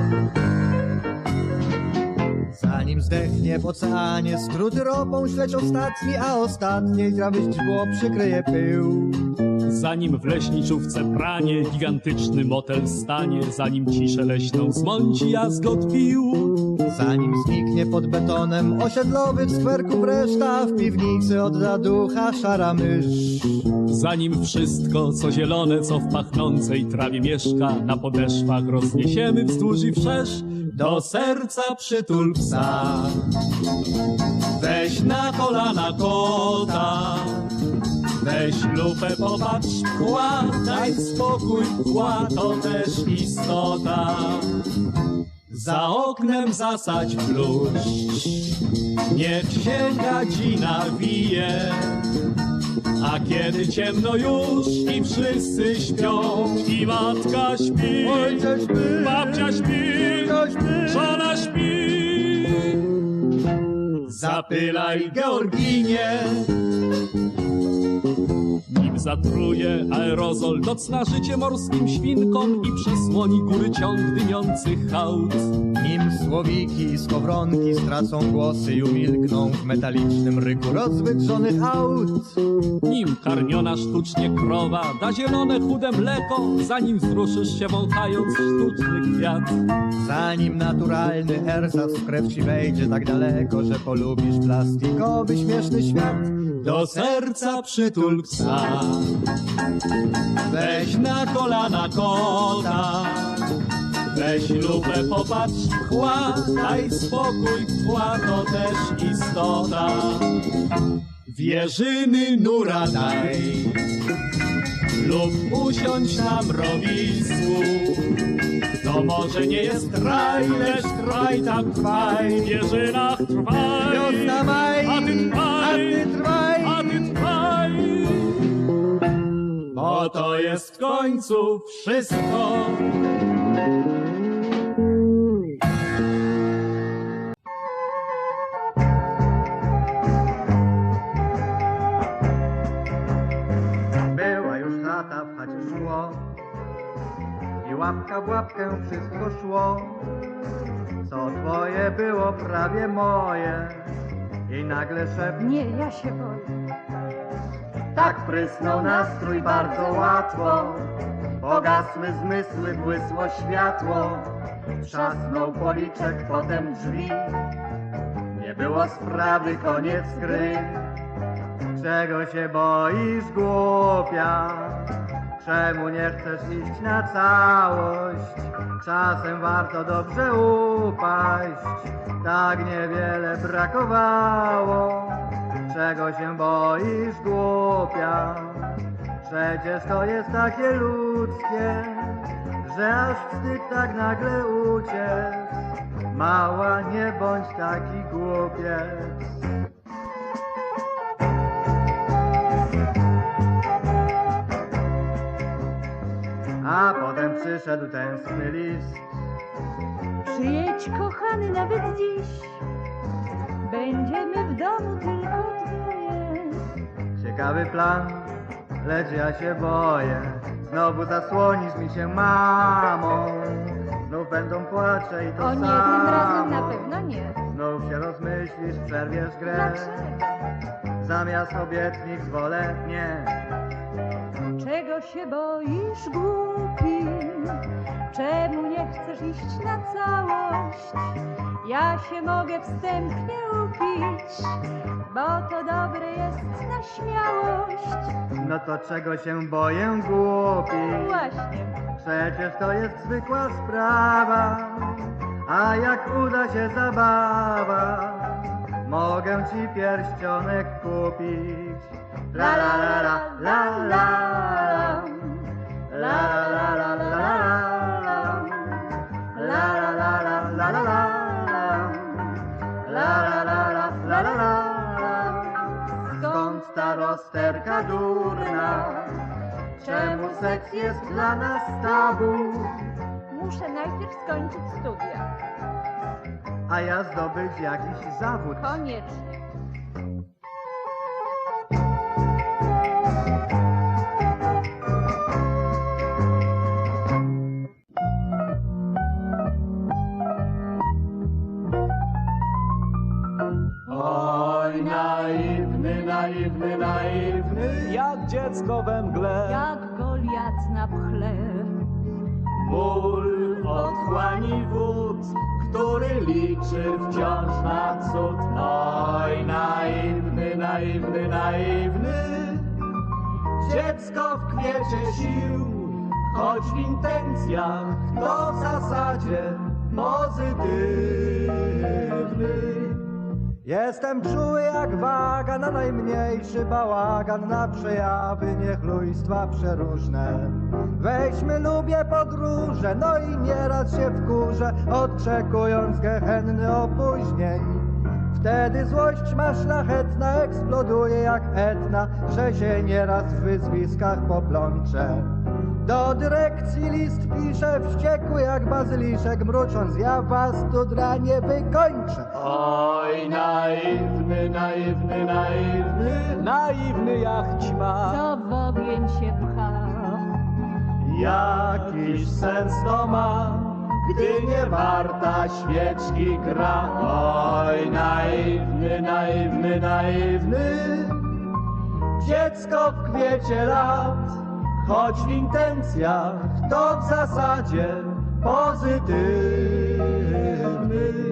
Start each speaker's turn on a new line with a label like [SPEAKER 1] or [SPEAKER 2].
[SPEAKER 1] Zanim zdechnie w oceanie, skróty ropą śledź ostatni, a ostatniej trawy źdźbło przykryje pył.
[SPEAKER 2] Zanim w leśniczówce pranie gigantyczny motel stanie, zanim ciszę leśną zmąci jazgot pił.
[SPEAKER 1] Zanim zniknie pod betonem osiedlowy w skwerku reszta, w piwnicy odda ducha szara mysz.
[SPEAKER 2] Zanim wszystko, co zielone, co w pachnącej trawie mieszka, na podeszwach rozniesiemy wzdłuż i wszerz, do serca przytul psa. Weź na kolana kota, weź lupę, popatrz w kła, daj spokój, kła to też istota. Za oknem zasadź bluszcz, niech się gadzina wije. A kiedy ciemno już i wszyscy śpią, i matka śpi,
[SPEAKER 1] Ojciec śpi,
[SPEAKER 2] babcia śpi, żona śpi, zapylaj Georginie. Nim zatruje aerozol, docna życie morskim świnkom i przesłoni góry ciąg dymiących hałd.
[SPEAKER 1] Nim słowiki i skowronki stracą głosy i umilkną w metalicznym ryku rozwydrzonych aut.
[SPEAKER 2] Nim karmiona sztucznie krowa da zielone chude mleko, zanim wzruszysz się wąchając sztuczny kwiat.
[SPEAKER 1] Zanim naturalny ersat w krew ci wejdzie tak daleko, że polubisz plastikowy śmieszny świat.
[SPEAKER 2] Do serca przytul psa, weź na kolana kota, weź lupę, popatrz w kła, daj spokój, kła to też istota. Wierzyny nura daj lub usiądź na mrowisku. To może nie jest raj, lecz kraj tam trwaj, w wieżynach trwaj.
[SPEAKER 1] Wiosna maj,
[SPEAKER 2] A ty trwaj,
[SPEAKER 1] trwaj,
[SPEAKER 2] a ty trwaj, bo to jest w końcu wszystko.
[SPEAKER 1] Była już chata, w chacie szło i łapka w łapkę wszystko szło. Co twoje było prawie moje i nagle szept
[SPEAKER 3] Nie, ja się boję.
[SPEAKER 1] tak prysnął nastrój bardzo łatwo. Pogasły zmysły, błysło światło. Trzasnął policzek, potem drzwi. Nie było sprawy, koniec gry. Czego się boisz, głupia? Czemu nie chcesz iść na całość? Czasem warto dobrze upaść. Tak niewiele brakowało. Czego się boisz, głupia? Przecież to jest takie ludzkie, że aż wstyd tak nagle uciec. Mała, nie bądź taki głupiec. A potem przyszedł tęskny list.
[SPEAKER 3] Przyjedź, kochany, nawet dziś. Będziemy w domu tylko dwoje.
[SPEAKER 1] Ciekawy plan, lecz ja się boję. Znowu zasłonisz mi się mamą. Znów będą płacze i to
[SPEAKER 3] O nie,
[SPEAKER 1] samo.
[SPEAKER 3] tym razem na pewno nie.
[SPEAKER 1] Znów się rozmyślisz, przerwiesz grę.
[SPEAKER 3] Dlaczego?
[SPEAKER 1] Zamiast obietnic wolę nie.
[SPEAKER 3] Czego się boisz, głupi? Czemu nie chcesz iść na całość? Ja się mogę wstępnie upić, bo to dobre jest na śmiałość.
[SPEAKER 1] No to czego się boję, głupi?
[SPEAKER 3] Właśnie.
[SPEAKER 1] Przecież to jest zwykła sprawa. A jak uda się zabawa, mogę ci pierścionek kupić. La la la la la la la la la la la la la la la la la la. Skąd ta rozterka durna? Czemu seks jest dla nas tabu?
[SPEAKER 3] Muszę najpierw skończyć studia.
[SPEAKER 1] A ja zdobyć jakiś zawód.
[SPEAKER 3] Koniecznie.
[SPEAKER 2] naiwny, naiwny, jak dziecko we mgle.
[SPEAKER 3] Jak Goliat na pchle.
[SPEAKER 2] Ból otchłani wód, który liczy wciąż na cud. Oj, naiwny, naiwny, naiwny, dziecko w kwiecie sił, choć w intencjach to w zasadzie pozytywny.
[SPEAKER 1] Jestem czuły jak waga na najmniejszy bałagan, na przejawy niechlujstwa przeróżne. Weźmy, lubię podróże, no i nieraz się wkurzę, odczekując gehenny opóźnień. Wtedy złość ma szlachetna, eksploduje jak Etna, że się nieraz w wyzwiskach poplączę. Do dyrekcji list piszę, wściekły jak bazyliszek, mrucząc, ja was tu dla nie wykończę.
[SPEAKER 2] Oj, naiwny, naiwny, naiwny, naiwny jak ćma.
[SPEAKER 3] Co w ogień się pcha.
[SPEAKER 2] Jakiś sens to ma, gdy nie warta świeczki gra. Oj, naiwny, naiwny, naiwny, dziecko w kwiecie lat, choć w intencjach to w zasadzie pozytywny.